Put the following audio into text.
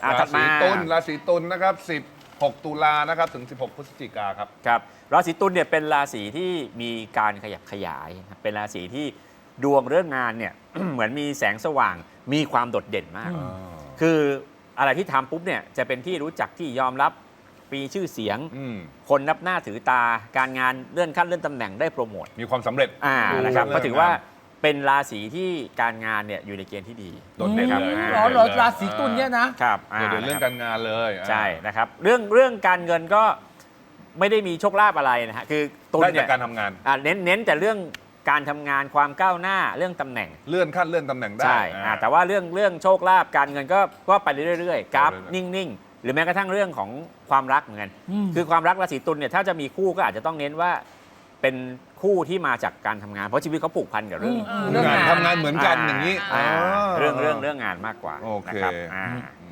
ราศีตุลนะครับ16 ตุลานะครับถึง 16 พฤศจิกาครับครับราศีตุลเนี่ยเป็นราศีที่มีการขยับขยายเป็นราศีที่ดวงเรื่องงานเนี่ย เหมือนมีแสงสว่างมีความโดดเด่นมาก คืออะไรที่ทำปุ๊บเนี่ยจะเป็นที่รู้จักที่ยอมรับมีชื่อเสียงคนนับหน้าถือตาการงานเลื่อนขั้นเลื่อนตำแหน่งได้โปรโมทมีความสำเร็จนะครับก็ถือว่าเป็นราศีที่การงานเนี่ยอยู่ในเกณฑ์ที่ดีโดดเด่นเลยเหรอราศีตุลเนี่ยนะครับโดดเด่นเรื่องการงานเลยใช่นะครับเรื่องการเงินก็ไม่ได้มีโชคลาภอะไรนะฮะคือตุลเนี่ยได้จากการทำงานเน้นแต่เรื่องการทำงานความก้าวหน้าเรื่องตำแหน่งเลื่อนขั้นเลื่อนตำแหน่งได้ใช่แต่ว่าเรื่องโชคลาภการเงินก็ไปเรื่อยๆกราฟนิ่งๆหรือแม้กระทั่งเรื่องของความรักเหมือนกันคือความรักราศีตุลเนี่ยถ้าจะมีคู่ก็อาจจะต้องเน้นว่าเป็นคู่ที่มาจากการทำงานเพราะชีวิตเขาผูกพันกับเรื่องงานทำงานเหมือนกันอย่างนี้เรื่องงานมากกว่าโอเคนะครับ